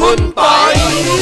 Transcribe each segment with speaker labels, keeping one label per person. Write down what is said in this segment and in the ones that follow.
Speaker 1: คุณปอย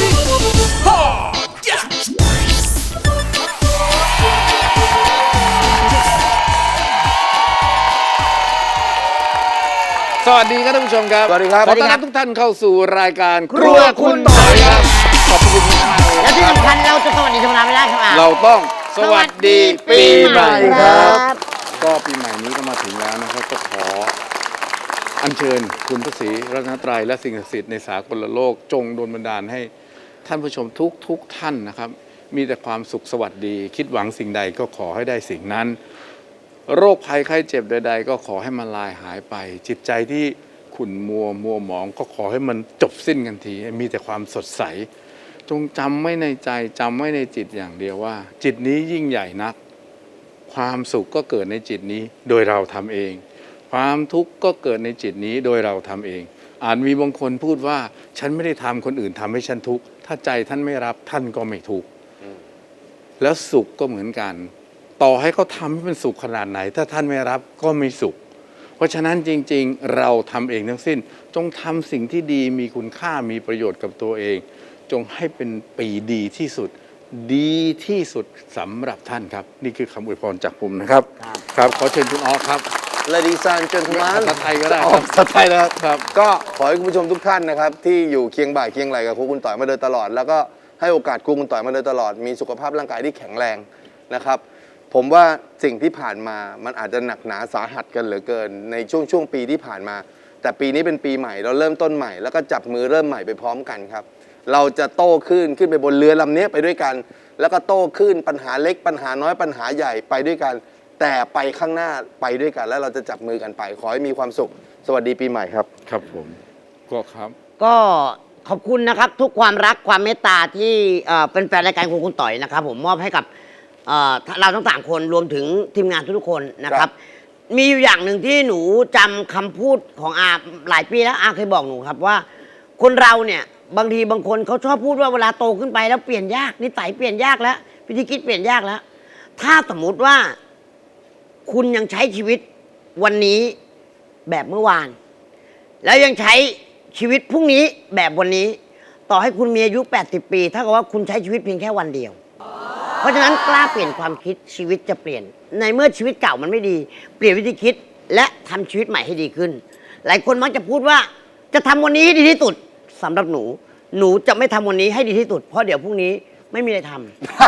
Speaker 1: สวัสดีครับท่านผู้ชมครับ
Speaker 2: สวัสดีครับ
Speaker 1: ขอต้อนรับทุกท่านเข้าสู่รายการครัวคุณปอยครับขอบคุณมากเลย
Speaker 3: และที่สำคัญเราจะสวัสดีธรรมดาไม่ได้ครับ
Speaker 1: เราต้องสวัสดีปีใหม่ครับ
Speaker 3: ครับ
Speaker 1: ก็ปีใหม่นี้ก็มาถึงแล้วนะครับก็ขออัญเชิญคุณพระศรีรัตนตรัยและสิ่งศักดิ์สิทธิ์ในสากลโลกจงโดลบันดาลให้ท่านผู้ชมทุกท่านนะครับมีแต่ความสุขสวัสดีคิดหวังสิ่งใดก็ขอให้ได้สิ่งนั้นโรคภัยไข้เจ็บใดๆก็ขอให้มันลายหายไปจิตใจที่ขุ่นมัวหมองก็ขอให้มันจบสิ้นกันทีมีแต่ความสดใสจงจำไว้ในใจจำไว้ในจิตอย่างเดียวว่าจิตนี้ยิ่งใหญ่นักความสุขก็เกิดในจิตนี้โดยเราทำเองความทุกข์ก็เกิดในจิตนี้โดยเราทำเองอาจมีบางคนพูดว่าฉันไม่ได้ทำคนอื่นทำให้ฉันทุกข์ถ้าใจท่านไม่รับท่านก็ไม่ทุกข์แล้วสุขก็เหมือนกันต่อให้เขาทำให้เป็นสุขขนาดไหนถ้าท่านไม่รับก็ไม่สุขเพราะฉะนั้นจริงๆเราทำเองทั้งสิ้นจงทำสิ่งที่ดีมีคุณค่ามีประโยชน์กับตัวเองจงให้เป็นปีดีที่สุดดีที่สุดสำหรับท่านครับนี่คือคำอวยพรจากผมนะครับครับขอเชิญคุณออฟครับ
Speaker 2: Ladies and gentlemen
Speaker 1: ภาษาไทยก็ได้
Speaker 2: ภาษาไทยนะครับ
Speaker 1: ครับ
Speaker 2: ก็ขอให้คุณผู้ชมทุกท่านนะครับที่อยู่เคียงบ่ายเคียงไหลกับครูคุณต่อยมาโดยตลอด แล้วก็ให้โอกาสครูคุณต่อยมาโดยตลอดมีสุขภาพร่างกายที่แข็งแรงนะครับผมว่าสิ่งที่ผ่านมามันอาจจะหนักหนาสาหัสกันเหลือเกินในช่วงปีที่ผ่านมาแต่ปีนี้เป็นปีใหม่เราเริ่มต้นใหม่แล้วก็จับมือเริ่มใหม่ไปพร้อมกันครับเราจะโต้ขึ้นไปบนเรือลำนี้ไปด้วยกันแล้วก็โต้ขึ้นปัญหาเล็กปัญหาน้อยปัญหาใหญ่ไปด้วยกันแต่ไปข้างหน้าไปด้วยกันแล้วเราจะจับมือกันไปขอให้มีความสุขสวัสดีปีใหม่ครับ
Speaker 1: ครับผมก็ครับ
Speaker 3: ก็ขอบคุณนะครับทุกความรักความเมตตาที่เป็นแฟนรายการครัวคุณต่อยนะครับผมมอบให้กับเราทั้ง3คนรวมถึงทีมงานทุกๆคนนะครับมีอยู่อย่างหนึ่งที่หนูจำคำพูดของอาหลายปีแล้วอาเคยบอกหนูครับว่าคนเราเนี่ยบางทีบางคนเขาชอบพูดว่าเวลาโตขึ้นไปแล้วเปลี่ยนยากนิสัยเปลี่ยนยากแล้ววิธีคิดเปลี่ยนยากแล้วถ้าสมมุติว่าคุณยังใช้ชีวิตวันนี้แบบเมื่อวานแล้วยังใช้ชีวิตพรุ่งนี้แบบวันนี้ต่อให้คุณมีอายุ80 ปีถ้ากับว่าคุณใช้ชีวิตเพียงแค่วันเดียวเพราะฉะนั้นกล้าเปลี่ยนความคิดชีวิตจะเปลี่ยนในเมื่อชีวิตเก่ามันไม่ดีเปลี่ยนวิธีคิดและทำชีวิตใหม่ให้ดีขึ้นหลายคนมักจะพูดว่าจะทำวันนี้ให้ดีที่สุดสำหรับหนูจะไม่ทำวันนี้ให้ดีที่สุดเพราะเดี๋ยวพรุ่งนี้ไม่มีอะไรทำ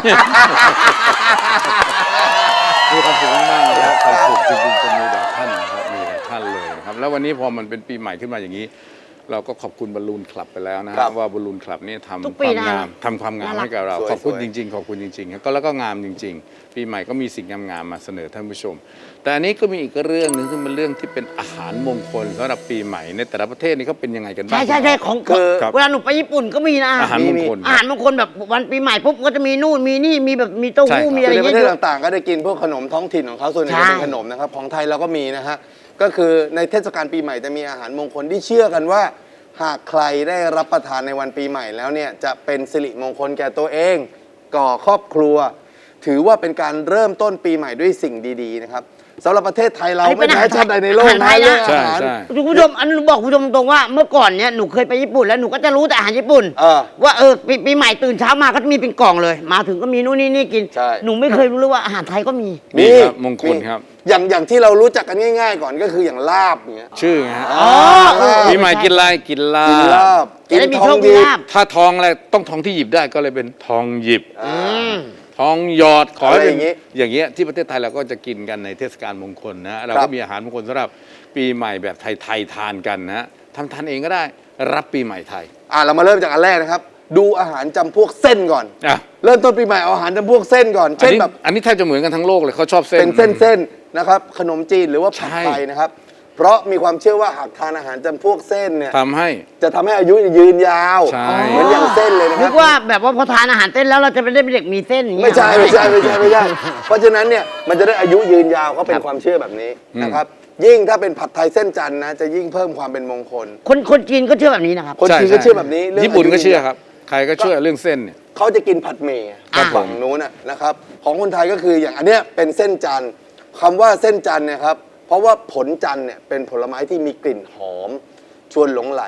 Speaker 1: มีความสุขมากๆเลยครับความสุขจริงๆจะมีแต่ท่านนะครับมีแต่ท่านเลยนะครับแล้ววันนี้พอมันเป็นปีใหม่ขึ้นมาอย่างนี้เราก็ขอบคุณบอลลูนคลับไปแล้วนะครับว่าบอลลูนคลับนี่ทำ
Speaker 3: ทุก
Speaker 1: ค
Speaker 3: ปี
Speaker 1: วาม
Speaker 3: นะ
Speaker 1: งามทำความงามให้กับเรา
Speaker 2: สวยๆ
Speaker 1: ขอบคุณจริงๆขอบคุณจริงๆครับก็แล้วก็งามจริง ๆ ปีใหม่ก็มีสิ่งงามๆมาเสนอท่านผู้ชม แต่อันนี้ก็มีอีกเรื่องหนึ่งซึ่งเป็นเรื่องที่เป็นอาหารมงคลสำหรับปีใหม่ในแต่ละประเทศนี่เขาเป็นยังไงกันบ้าง
Speaker 3: ใช่ของ
Speaker 1: ครับ
Speaker 3: เวลาหนูไปญี่ปุ่นก็มีนะ
Speaker 1: อาหารมงคล
Speaker 3: อาหารมงคลแบบวันปีใหม่ปุ๊บก็จะมีนู่นมีนี่มีแบบมีเต้าหู้
Speaker 1: ใช่ครับ
Speaker 3: มีอะไร
Speaker 2: ในประเทศ
Speaker 3: เงี้ย
Speaker 2: ต่างๆ ก็ได้กินพวกขนมท้องถิ่นของเขาส่วนใหญ่
Speaker 3: ใช่
Speaker 2: จะเป็นขนมนะครับของไทยเราก็มีนะฮะก็คือในเทศกาลปีใหม่จะมีอาหารมงคลที่เชื่อกันว่าหากใครได้รับประทานในวันปีใหม่แล้วเนี่ยจะเป็นสิริมงคลแก่ตัวเองก่อครอบครัว ถือว่าเป็นการเริ่มต้นปีใหม่ด้วยสิ่งดีๆนะครับสำหรับประเทศไทยเราไม่แพ้ชาติใดในโลกนะเรื่องอา
Speaker 1: ใช่
Speaker 2: หาร
Speaker 1: ใช่
Speaker 3: คุณผู้ชมอันนบอกคุณผู้ชมตรงว่าเมื่อก่อนเนี่ยหนูเคยไปญี่ปุ่นแล้วหนูก็จะรู้แต่อาหารญี่ปุ่น ว่าปีใหม่ตื่นเช้ามาก็จะมีเป็นกล่องเลย มาถึงก็มีนู่นนี่กิน
Speaker 2: ใช่
Speaker 3: หนูไม่เคยรู้เลยว่าอาหารไทยก็มี
Speaker 1: มีครับมงคลครับ
Speaker 2: อย่างที่เรารู้จักกันง่ายๆก่อนก็คืออย่างลาบอย่างเงี้ย
Speaker 1: ชื่อไงฮะ
Speaker 3: อ๋อ
Speaker 1: ปีใหม่กินอะไรกินลา
Speaker 2: กินลา
Speaker 1: บบ
Speaker 3: จะได้มี
Speaker 2: ท
Speaker 3: โช
Speaker 2: อง
Speaker 3: คมี
Speaker 2: ดี
Speaker 3: ลาบ
Speaker 1: ถ้าทองอะไรต้องทองที่หยิบได้ก็เลยเป็นทองหยิบ
Speaker 3: อืม
Speaker 1: ทองหยอดขอให้เป็น
Speaker 2: อะไรอย่างงี้
Speaker 1: อย่างเงี้ยที่ประเทศไทยเราก็จะกินกันในเทศกาลมงคลนะเรา
Speaker 2: ครั
Speaker 1: ก็
Speaker 2: บ
Speaker 1: มีอาหารมงคลสำหรับปีใหม่แบบไทยๆทานกันนะทานเองก็ได้รับปีใหม่ไทย
Speaker 2: เรามาเริ่มจากอันแรกนะครับดูอาหารจำพวกเส้นก่อน
Speaker 1: อ่ะ
Speaker 2: เริ่มต้นปีใหม่เอาอาหารจำพวกเส้นก่อน
Speaker 1: อัน
Speaker 2: เช่น
Speaker 1: นี้
Speaker 2: แบบ
Speaker 1: อันนี้แทบจะเหมือนกันทั้งโลกเลยเขาชอบเส้น
Speaker 2: เป็นเส้นๆนะครับขนมจีนหรือว่าผัด
Speaker 1: ใช่
Speaker 2: ไทยนะครับเพราะมีความเชื่อว่าหากทานอาหารจำพวกเส้นเนี่ย
Speaker 1: ทำให้
Speaker 2: จะทำให้อายุยืนยาว
Speaker 1: ใช่
Speaker 2: เหมือนอย่างเส้นเลยนะค
Speaker 3: นึ
Speaker 2: รับ
Speaker 3: กว่าแบบว่าพอทานอาหารเต้นแล้วเราจะเป็นเด็กมีเส้นอย่างเงี้ย
Speaker 2: ไม่ใช่เพราะฉะนั้นเนี่ยมันจะได้อายุยืนยาวเขาเป็นความเชื่อแบบนี้นะครับยิ่งถ้าเป็นผัดไทยเส้นจันทร์นะจะยิ่งเพิ่มความเป็นมงคล
Speaker 3: คนจีนก็เชื่อแบบนี้นะครับ
Speaker 2: คนจีนก็เชื่อแบบนี้เรื่อง
Speaker 1: ญี่ปุ่นก็
Speaker 2: ายุ
Speaker 1: เชื่อครับ ใครก็เชื่อเรื่องเส้นเนี่ย
Speaker 2: เขาจะกินผัดเมย์
Speaker 3: ครับ
Speaker 2: ฝั่งนู้นนะครับของคนไทยก็คืออย่างอันเนี้ยเป็นเส้นจันทร์คำว่าเส้นจันทร์เนี่ยครับเพราะว่าผลจันทร์เนี่ยเป็นผลไม้ที่มีกลิ่นหอมชวนหลงไหล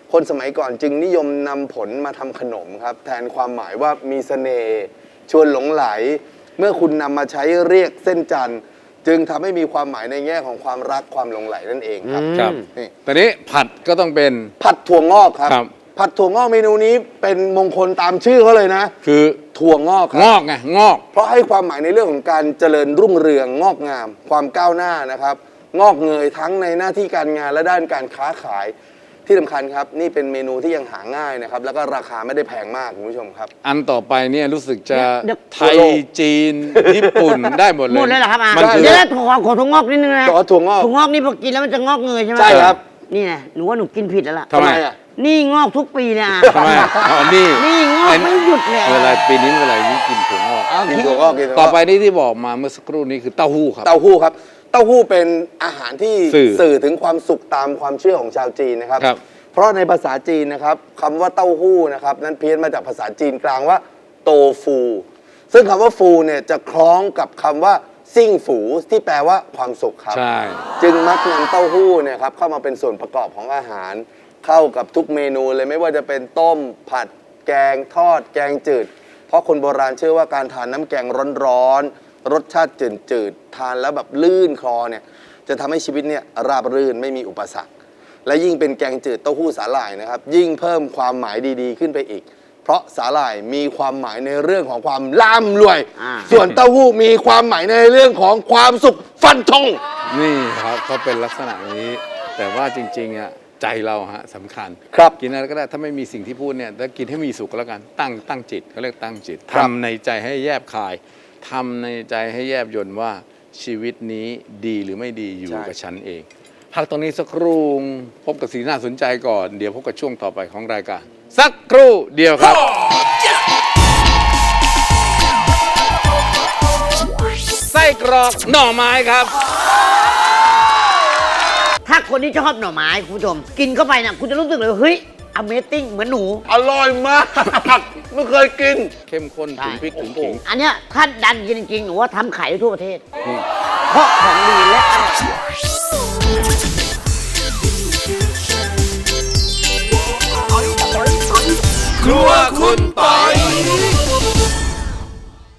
Speaker 2: คนสมัยก่อนจึงนิยมนำผลมาทำขนมครับแทนความหมายว่ามีเสน่ห์ชวนหลงไหล เมื่อคุณนำมาใช้เรียกเส้นจันทร์จึงทำให้มีความหมายในแง่ของความรักความหลงไหลนั่นเองครับ
Speaker 1: ครับ
Speaker 2: นี่
Speaker 1: ตอนนี้ผัดก็ต้องเป็น
Speaker 2: ผัดถั่วงอกครับ
Speaker 1: ครับ
Speaker 2: ผัดถั่วงอกเมนูนี้เป็นมงคลตามชื่อเขาเลยนะ
Speaker 1: คือ
Speaker 2: ถั่วงอกค
Speaker 1: ง
Speaker 2: รับ
Speaker 1: อกไงงอก
Speaker 2: เพราะให้ความหมายในเรื่องของการเจริญรุ่งเรืองงอกงาม ความก้าวหน้านะครับ งอกเงยทั้งในหน้าที่การงานและด้านการค้าขายที่สำคัญครับ นี่เป็นเมนูที่ยังหาง่ายนะครับ แล้วก็ราคาไม่ได้แพงมากคุณผู้ชมครับ
Speaker 1: อันต่อไปเนี่ยรู้สึกจะ
Speaker 3: เดี๋ยว
Speaker 1: ไทยจีน ญี่ปุ่นได้หมดเลย
Speaker 3: หมดเลยเหรอครับอา
Speaker 1: มันคือ
Speaker 3: เดี๋ยวนะขอถั่วงอกนิดนึงนะ
Speaker 2: ถั่วงอก
Speaker 3: ถั่วงอกนี่พอกินแล้วมันจะงอกเงยใช่ไหม
Speaker 2: ใช่ครับ
Speaker 3: นี่ไงหนูว่าหนูกินผิดแล้วล่ะ
Speaker 1: ทำไม
Speaker 2: อ่ะ
Speaker 3: นี่งอกทุกปีเลยอ่ะ
Speaker 1: ทำไมอ๋อนี่
Speaker 3: นี่งอกไม่หยุดเลย
Speaker 1: เวลาปีนี้เวลานี้กินถั่วงอก
Speaker 2: กินถั่วงอกกินถั่วงอก
Speaker 1: ต่อไปนี่ที่บอกมาเมื่อสักครู่นี้คือเต้าหู้ครับ
Speaker 2: เต้าหู้ครับ เต้าหู้เป็นอาหารที่
Speaker 1: สื่อ
Speaker 2: ถึงความสุขตามความเชื่อของชาวจีนนะครับ
Speaker 1: ครับ
Speaker 2: เพราะในภาษาจีนนะครับคำว่าเต้าหู้นะครับนั้นเพี้ยนมาจากภาษาจีนกลางว่าโตฟู ซึ่งคำว่าฟูเนี่ยจะคล้องกับคำว่าซิ่งฝูที่แปลว่าความสุขครับ
Speaker 1: ใช่
Speaker 2: จึงมักนำเต้าหู้เนี่ยครับเข้ามาเป็นส่วนประกอบของอาหาร เข้ากับทุกเมนูเลยไม่ว่าจะเป็นต้ม ผัด แกงทอด แกงจืด เพราะคนโบราณเชื่อว่าการทานน้ำแกงร้อนๆรสชาติจืดๆทานแล้วแบบลื่นคอเนี่ยจะทำให้ชีวิตเนี่ยราบรื่นไม่มีอุปสรรค และยิ่งเป็นแกงจืดเต้าหู้สาหร่ายนะครับยิ่งเพิ่มความหมายดีๆขึ้นไปอีก เพราะสาหร่ายมีความหมายในเรื่องของความร่ำรวย ส่วนเต้าหู้มีความหมายในเรื่องของความสุขฟันธง
Speaker 1: นี่ครับเขาเป็นลักษณะนี้ แต่ว่าจริงๆอ่ะใจเราฮะสำคัญ
Speaker 2: ครับ
Speaker 1: กินอะไรก็ได้ถ้าไม่มีสิ่งที่พูดเนี่ยแล้วกินให้มีสุขก็แล้วกันตั้งจิตเขาเรียกตั้งจิต
Speaker 2: ครับ
Speaker 1: ทำในใจให้แยบคายทำในใจให้แยบยลว่าชีวิตนี้ดีหรือไม่ดีอยู่กับฉันเองพักตรงนี้สักครู่พบกับสิ่งน่าสนใจก่อนเดี๋ยวพบกับช่วงต่อไปของรายการสักครู่เดียวครับ ไส้กรอกหน่อไม้ครับ
Speaker 3: ถ้าคนที่ชอบหน่อไม้คุณผู้ชม กินเข้าไปนะคุณจะรู้สึกเลยว่าเฮ้ย Amazing เหมือนหนู
Speaker 2: อร่อยมาก ไม่เคยกิน
Speaker 1: เข้มข้นถึงพริกถึงขิง
Speaker 3: อันเนี้ยถ้าดันกินจริงๆหนูว่าทำขายได้ทั่วประเทศ เพราะของดีและอร่อย